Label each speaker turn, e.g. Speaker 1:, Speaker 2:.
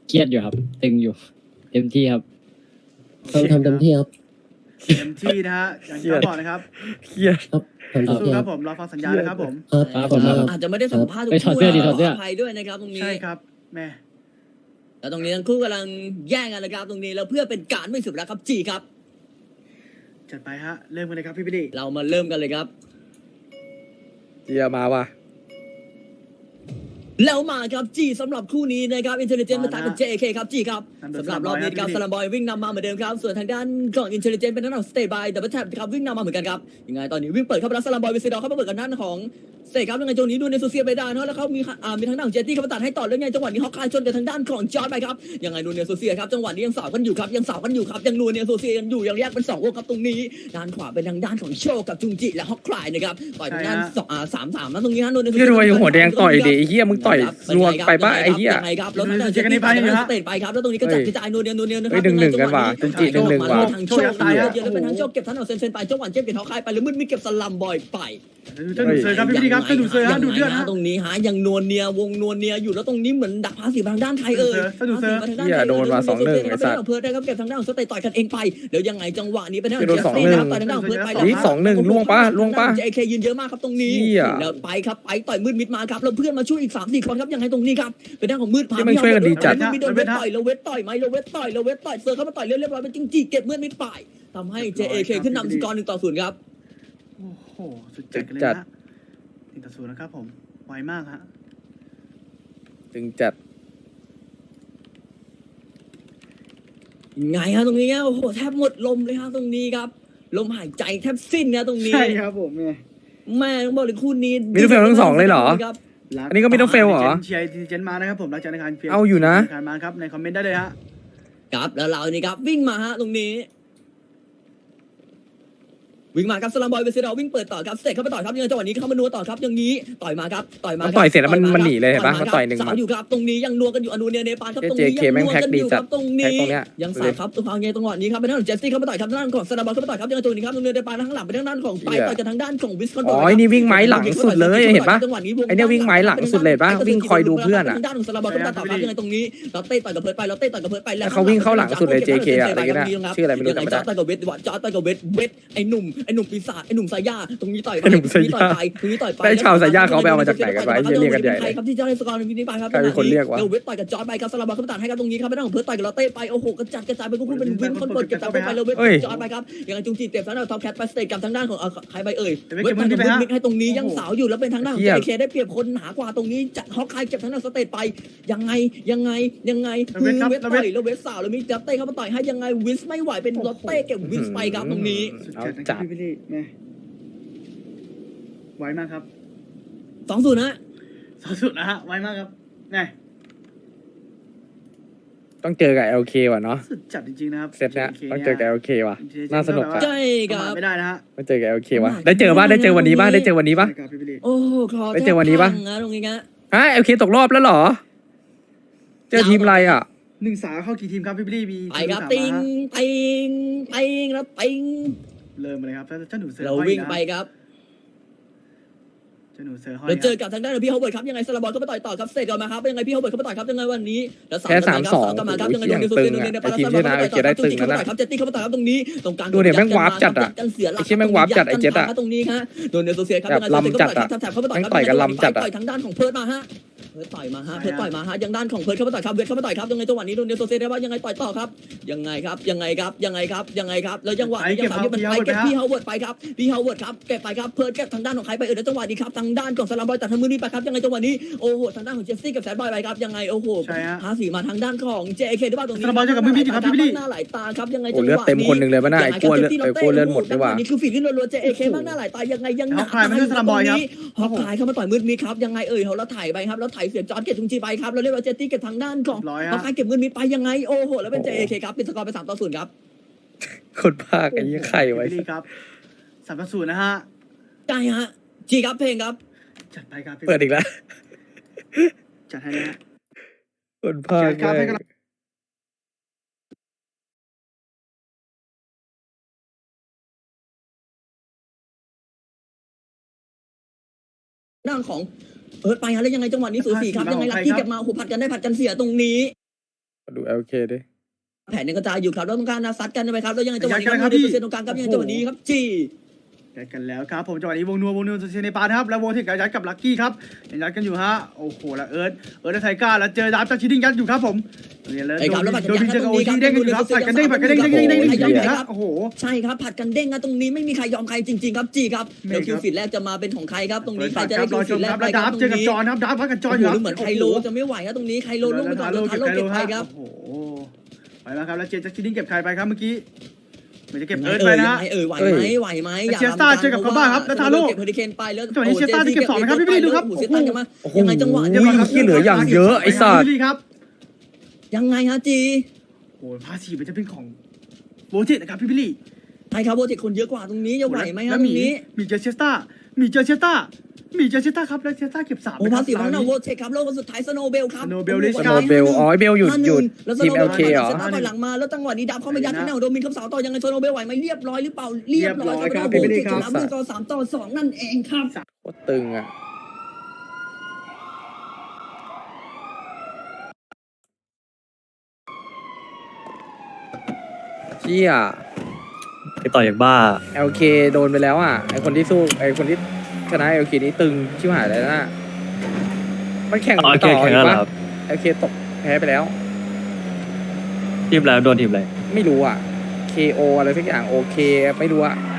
Speaker 1: เครียดอยู่ครับตึงอยู่เต็มที่ครับ
Speaker 2: ต้องทำเต็มที่ครับ
Speaker 3: เต็มที่นะฮะอย่างที่เขาบอกนะครับ
Speaker 4: เครียด
Speaker 2: ครับทำเต็ม
Speaker 3: สู้
Speaker 2: ที่
Speaker 3: ค
Speaker 2: ค
Speaker 3: รั
Speaker 2: รั
Speaker 3: บบ ผมรอฟังสัญญานะครับผม
Speaker 2: ครับ
Speaker 1: ครับ
Speaker 2: ขอบคุณครับ
Speaker 5: อาจจะไม่ได้สัมภาษณ์ทุก
Speaker 1: ไปถอด
Speaker 5: คู่
Speaker 1: เสื้อดิ
Speaker 5: นะ
Speaker 1: ถอดเสื้อ
Speaker 5: ขออภัยด้วยนะครับตรงนี้
Speaker 3: ใช่ครับแม่
Speaker 5: แล้วตรงนี้ทั้งคู่กำลังแย่งกันนะครับตรงนี้แล้วเพื่อเป็นการไม่เสุดแล้วครับจีครับ
Speaker 3: จัดไปฮะเริ่มกันเลยครับพี่บิลลี่
Speaker 5: เรามาเริ่มกันเลยครับ
Speaker 4: เฮียมาว่ะ
Speaker 5: แล้วมาครับจีสำหรับคู่นี้นะครับอินเทลเจนต์มาตัดกับ JK ครับจีครับสำหรับรอบนี้ครับสลัมบอยวิ่งนำมาเหมือนเดิมครับส่วนทางด้านของอินเทลเจนต์เป็นทางด้านของสเตย์บายดับเบิลแท็บครับวิ่งนำมาเหมือนกันครับยังไงตอนนี้วิ่งเปิดเข้าไปแล้วสลัมบอยวิซิดอร์เข้ามาเปิดกันด้านของสเตย์ครับยังไงตรงนี้ดูในโซเชียลไปได้นะแล้วเขามีทางด้านของเจตตี้เข้ามาตัดให้ต่อแล้วไงจังหวะนี้ฮอกคายชนกับทางด้านของจอร์ดไปครับยังไงดูในโซเชียลครับจังหวะนี้ยังสาวกันอยู่ครับยังนูในโซเชียลยังอยู่ยังแยกเป็น2วงครับตรงนี้ด้านขวาเป็นทางด้านของโชกับจุงจิและฮอกคายนะครับต่อยทางด้าน3-3นะตรงนี้ฮะดูในโซเชี
Speaker 4: พี่
Speaker 5: ยล
Speaker 4: รวยหัวแดงต่อยดิไอ้เฮียมึงต่อยรวมไปป่ะไอ้เฮีย
Speaker 5: ยังไงครับแล้วทางด้านเจตตี้ไปสเตทไปครับแล้วตรงนี้ก็จัดกระจายนูเนียนะครับ
Speaker 4: เฮ้ย1-1กันว่ะจุงจิ1-1ว่ะ
Speaker 5: ทางโชคไปเยอะแล้วเป็นทางโชคเก็บทันเอาเซนไปจังหวะเจ็บเก็บเท้าคายไปแล้วมืดมีเก็บสลัมบอยไป
Speaker 3: จะดูดเซอร์ครับพี่บิลลี่ครับจะดูดเซอร์ฮะดูดเลือดฮะ
Speaker 5: ตรงนี้หายังนวลเนียวงนวลเนียอยู่แล้วตรงนี้เหมือนดักพาสีทางด้านไทย
Speaker 4: เหี้ยโดนมา2-1ไอ้สัตว์
Speaker 5: เพื่อได้ครับเก็บทางด้านของสเตทต่อยกันเองไปเดี๋ยวยังไงจังหวะนี้เป็นทาง
Speaker 4: โดน
Speaker 5: เจสซี่
Speaker 4: 2-1
Speaker 5: นะครับต่อยทางด้านของเพื่อไป
Speaker 4: นี่2-1ล่วงปะ
Speaker 5: JK ยืนเยอะมากครับตรงนี้
Speaker 4: เหี้ย
Speaker 5: แล้วไปครับไปต่อยมืดมิดมาครับแล้วเพื่อนมาช่วยอีก3-4คนครับยังไงตรงนี้ครับเป็นทางของมืดพา
Speaker 4: ที่มันช่วยกันดีจัด
Speaker 5: มีโดนเวทต่อยแล้วเวทต่อยไหมแล้วเวทต่อยเซอร์เข้ามาต่อยเรียบร้อยเป็นจริงจีเก็บมืดมิดไปทำให้ JK ขึ้นนำสกอร์1-0ครับ
Speaker 3: โอ้โหสุดจัดกันเลยนะ1-0นะครับผมไวมากฮะ
Speaker 4: จึงจัด
Speaker 5: ไงฮะตรงนี้โอ้โหแทบหมดลมเลยฮะตรงนี้ครับลมหายใจแทบสิ้นนะตรงนี้
Speaker 3: ใช่ครับผมเนี่ย
Speaker 5: แม่ต้องบอกเลยคู่นี้
Speaker 4: มิดเดิลเฟลทั้งสองเลยเหรอ อันนี้ก็มิดเดิลเฟลเหรอ
Speaker 3: เชียร์เจนมานะครับผมหลังจากในการ
Speaker 4: เอาอยู่นะ
Speaker 3: การมาครับในคอมเมนต์ได้เลยฮะ
Speaker 5: ครับแล้วเรานี่ครับวิ่งมาฮะตรงนี้วิ่งมาครับสลัมบอยเวสเซดอลวิ่งเปิดต่อครับสเตทเข้าไปต่อครับยังไงจังหวะนี้เข้ามานัวต่อครับอย่างนี้ต่อยมาครับต่อยมา
Speaker 4: มันต่อยเสร็จแล้วมันหนีเลยเห็นปะมันต่อย1
Speaker 5: สาวอยู่ครับตรงนี้ยังนัวกันอยู่อนูเนียเนปาลครับตรง
Speaker 4: เจ
Speaker 5: นี้
Speaker 4: เค
Speaker 5: ยัง
Speaker 4: แม่ง
Speaker 5: นัว
Speaker 4: แพ็ค
Speaker 5: กัน
Speaker 4: ดี
Speaker 5: อยู่
Speaker 4: จั
Speaker 5: ค
Speaker 4: ด
Speaker 5: รับตรง
Speaker 4: แพ็ค
Speaker 5: นี้
Speaker 4: ตรงเนี้ย
Speaker 5: ยังสาวครับตัวไงจังหวะนี้ครับเป็นทางของเจสซี่เข้าไปต่อยครับทางด้านของสลัมบอยเข้าไปต่อยครับยังไงจังหวะนี้ครับตรงเนียเนปาลข้างหลังเป็นทางด้านของไปต่อยกับทางด้านของวิสคอน
Speaker 4: อ๋อไอ้นี่วิ่งไม้หลังสุดเลยเห็นปะ
Speaker 5: จังหวะนี้วง
Speaker 4: ไอ้เนี่ยวิ่งไม้หลังสุดเลยปะวิ่งคอยดูเพื่อนอะ
Speaker 5: ทางด้านของสลัมบอยเข้าไปต่อครับยังไงตรงนี้เราเตะต่อยกับเพิร์ดไปเราเตะต่อยกับเพิร์ดไปแล้ว
Speaker 4: เขาวิ่งเข้าหลังสุดเลย JK อะอะไรกันนะชื่ออะไรไม่รู้
Speaker 5: ยังไง
Speaker 4: จำไม่ได้
Speaker 5: จอร์ดต่อยกับเวทจอร์ดต่อยกับเวทไอ้หนุ่มปีศาจไอ้หนุ่มสายยาตรงนี้ต่อยไป
Speaker 4: ไอ้หนุ่มสายยา
Speaker 5: ตรงนี้ต่อยไป
Speaker 4: ได้ชาวสายยาเขาไปเอามาจากไหนกันวะไอ้เหี้ยเรียกกันใหญ่เลย
Speaker 5: ใครครับที่จะได้สกอร์ในวินิไปครับ
Speaker 4: ใครเป็นคนเรียกวะ
Speaker 5: เวทต่อยกับจอร์ดไปครับสลับเข้าไปตัดให้ครับตรงนี้ครับไม่ต้องเพิร์ดต่อยกับเราเตะไปโอ้โหกระจายไปคู่เป็นวินคอนเวิร์ตเก็บจับไปแล้วเวทจอร์ดไปครับยังไงจุงจีเต็มทางด้านท็อปแคทไปสเตทกับทางด้านของใครไปเอ่ยเวทต่อยกับมิดให้ตรงนี้ยังสาวอยู่แล้วเป็นทางด้านของ JK ได้เปรียบคนหากว่าตรงนี้จัดฮอกคายเก็บทางด้านสเตทไปยังไงเวทต่อยแล้วเวทสาวแล้วมีจับเต้เข้ามาต่อยให้ยังไงวิสไม่ไหวเป็นลอตเต้เก็บวิสไปครับตรงนี้
Speaker 3: สุดจัดนะครับพี่บิลลี่แม่ไวมากครับ
Speaker 5: 2-0นะ
Speaker 3: สุดๆนะฮะไวมากครับแม่
Speaker 4: ต้องเจอกับ LK ว่ะเนาะ
Speaker 3: สุดจัดจริงๆนะครับ
Speaker 4: เซตเนี้ยต้องเจอกับ LK ว่ะน่าสนุกอ่ะ
Speaker 5: ใช่ครับ
Speaker 3: ไม่ได้นะฮะ
Speaker 4: ต้องเจอกับ LK ว่ะได้เจอป่ะได้เจอวันนี้ป่ะได้เจอวันนี้ป่ะ
Speaker 3: ใช่ครับพี่บิลลี่
Speaker 5: โอ้โหคอ
Speaker 4: ไปเจอวันนี้ปะ
Speaker 5: แทบพังนะตรงนี้นะ
Speaker 4: ฮะ LK ตกรอบแล้วเหรอ เจอทีมอะไรอ่ะ
Speaker 3: 1-3เข้ากี่ทีมครับพี่บิลลี่มี
Speaker 5: ไปครับ
Speaker 3: ทีม
Speaker 5: ติงแล้วติง
Speaker 3: เริ่มเลยครับเจ้าหนูเสือ
Speaker 5: เรา
Speaker 3: ห้อย
Speaker 5: วิ่ง
Speaker 3: นะ
Speaker 5: ไปครับ
Speaker 3: เจ้าหนูเสือห้อย
Speaker 5: เรา
Speaker 3: ค
Speaker 5: เจ
Speaker 3: รับ
Speaker 5: อกับทางด้านของพี่ฮาวเวิร์ดครับยังไงสลับบอลเข้าไปต่อยต่อครับเสร็จก่อนมาครับยังไงพี่ฮาวเวิร์ดเข้าไปต่อยครับยังไงวันนี้แล้ว
Speaker 4: แพ้3-2
Speaker 5: กลับมาครับยังไง
Speaker 4: โอ้โห
Speaker 5: โดน
Speaker 4: เสียงตึงอะไอ้ทีมที่ชนะ LK ได้ตึงนั่นน่ะ
Speaker 5: ครับเจตตี้เข้าไปต่อยครับตรงนี้ตรงกลาง
Speaker 4: ดูเนี่ยแม่งวาร์ปจัดอะ
Speaker 5: กันเสียหลัก
Speaker 4: ไอ้เหี้ยแม่งวาร์ปจัดไอ้เจ็ตอะ
Speaker 5: ตรงนี้ฮะโดนเนโซเซียครับ
Speaker 4: แบบลำจัดอะ
Speaker 5: แถบเข้าไปต่อยครับ
Speaker 4: แม่งต่อยกันลำจัดอะ
Speaker 5: ต่อยทางด้านของเพิร์ดมาฮะเพิร์ดต่อยมาฮะยังด้านของเพิร์ดเข้าไปต่อยครับเวทเข้าไปต่อยครับยังไงจังหวะนี้โดนเนโซเซียได้ว่ายังไงต่อยต่อครับยังไงครับแล้วจังหวะนี้ยังสามที่มันไปเก็บพี่ฮาวเวิร์ดไปครับพี่ฮาวเวิร์ดครับเก็บไปครับเพิร์ดเก็บทางด้านของใครไปแล้วจังหวะนี้ครับทางด้านของสลัมบอยตัดทางมือนี้ไปครับยังไงจังหวะนี้โอ้โหทางด้านของเจสซี่กับแซดบอยไปครับยังไงโอ้โห
Speaker 3: ใช่ฮะ
Speaker 5: 54มาทางด้านของ JK ด้วยว่าตรงนี้
Speaker 3: สลับบอยเจอกับมือพี่ดิครับพี่บิลลี่
Speaker 5: หน้าหลายตาครับยังไง
Speaker 4: โอ้เลือดเต็มคนหนึ่งเลยป่ะน่ะไอ้กลัวเลือดหมดดีกว่า
Speaker 5: นี่คือฝีที่รัวๆ JK มากหน้าหลายตายังไงยังหนัก
Speaker 3: ฮอกคายไม่ใช่สลับบอยครับ
Speaker 5: ฮอกคายเข้ามาต่อยมืดมีครับยังไงแล้วถ่ายไปครับแล้วถ่ายเสียจอร์ดเก็บจุงจีไปครับแล้วเรียกว่าเจตตี้เก็บทางด้านของ
Speaker 3: ร้อย
Speaker 5: ฮอก
Speaker 3: ฮะ
Speaker 5: คายเก็บมืดมีไปยังไงโอ้โหแล้วเป็น JK ครับปิดสกอร์ไป3-0ครับ
Speaker 4: คนภาคไอ้ยี่ไข่ไว้
Speaker 3: พี่บิลลี่ครับ3-0นะฮะ
Speaker 5: ใช่ฮะจีครับเพลงครับ
Speaker 3: จัดไปครับพี่
Speaker 4: เปิดอีกแล้ว
Speaker 3: จัดให้เลยฮะ
Speaker 4: คนภาค
Speaker 3: ครับให้
Speaker 4: แม่ง
Speaker 3: กำลัง
Speaker 5: ด้านของไปฮะแล้วยังไงจังหวะนี้สูสีครับยังไงลักกี้เก็บมาโอ้โหผัดกันได้ผัดกันเสียตรงนี้
Speaker 4: ดู LK ดิ
Speaker 5: แผนยังกระจายอยู่ครับแล้วต้องการซัดกันใช่ไหมครับแล้วยังไงจังหวะนี้
Speaker 3: ยัดกัน
Speaker 5: ครับ
Speaker 3: เลยครับ
Speaker 5: มีเปอร์เซ็นต์ตรงกลางครับยังไงจังหวะนี้ครับจี
Speaker 3: ยัดกันแล้วครับผมจังหวะนี้วงนัวเซเนปานะครับแล้ววงที่ยัดกับลักกี้ครับยังยัดกันอยู่ฮะโอ้โหแล้วเอิร์ธและไทก้าแล้วเจอดาบจากชิดดิ้งยัดอยู่ครับผมเนี่ยเลย
Speaker 5: ไอ้ครับแล้วผัด
Speaker 3: โด
Speaker 5: กัน
Speaker 3: น
Speaker 5: ยั
Speaker 3: วิ
Speaker 5: ง
Speaker 3: นเจอ
Speaker 5: ต
Speaker 3: กับ
Speaker 5: รง
Speaker 3: โอ
Speaker 5: นี้ครับ
Speaker 3: ทีเด้งกันอยู่ครับผัดกันเด้งผัดกันเด้งโอ้โห
Speaker 5: ใช่ครับผัดกันเด้งนะตรงนี้ไม่มีใครยอมใครจริงๆครับจีครับแล้วคิวฟิตแรกจะมาเป็นของใครครับตรงนี้ใครจะได้คิวฟิตแรกไป
Speaker 3: แล้ว
Speaker 5: ค
Speaker 3: ดา
Speaker 5: รั
Speaker 3: บบ เจอกับจอนครับดาบพัดกับจอน
Speaker 5: โอ้
Speaker 3: อยู่
Speaker 5: โห
Speaker 3: ครับ
Speaker 5: เหมือนไคโลจะไม่ไหวครับตรงนี้ไคโลลงไปก่อนแล้วทาโร่เก็บไปครับ
Speaker 3: โอ้โหไปแล้วครับแล้วเจนจากชิดดิ้งเก็บใครไปครับเมื่อกี้ไม่จะเก็บเอิร์ธไปนะ
Speaker 5: ไหวไหมอย่าเก็บเฮอริเคนไปแล้วกันมายังไงจังหวะ
Speaker 4: ที่เหลืออย่างเยอะไอ้สัตว์
Speaker 3: ครับ
Speaker 5: ยังไงฮะจี
Speaker 3: โอ้พาสีมันจะเป็นของโบเทตนะครับพี่บิลลี่
Speaker 5: ไทยครับโบเทคคนเยอะกว่าตรงนี้จะไหวไหมฮะ
Speaker 3: แล้ว
Speaker 5: ตรงนี้
Speaker 3: มีเจอเชสตาครับแล้วเชสตาเก็บ3
Speaker 5: โอ้พาสีของเราโบเทคครับแล้วคนสุดท้ายสโนเบลครับ
Speaker 4: สโนเบลอ๋อเบลหยุดทีม LK เหรอ
Speaker 5: เซต้าถอยหลังมาแล้วจังหวะนี้ดับเข้ามายัดที่หน้าโดมินคำสาวต่อยังไงสโนเบลไหวไหมเรียบร้อยหรือเปล่าเรียบร้อยครับโบเทคชนะด้วยกอ3-2นั่นเองครับ
Speaker 4: โคตรตึงอ่ะเชี่ย
Speaker 6: ไปต่ออย่างบ้า
Speaker 4: LK โดนไปแล้วอ่ะไอคนที่สู้ไอคนที่ชนะ LK นี้ตึงชิบหายเลยนะมันแข่ง
Speaker 6: อ๋อ
Speaker 4: ต่อ
Speaker 6: แข่ง
Speaker 4: อี
Speaker 6: แล้ว
Speaker 4: ก
Speaker 6: เหรอ
Speaker 4: ปะ
Speaker 6: ครับ
Speaker 4: LK ตกแพ้ไปแล้ว
Speaker 6: ทีมแล้วโดนทีมอะไร
Speaker 4: ไม่รู้อ่ะ KO อะไรสักอย่าง OK ไม่รู้อ่ะ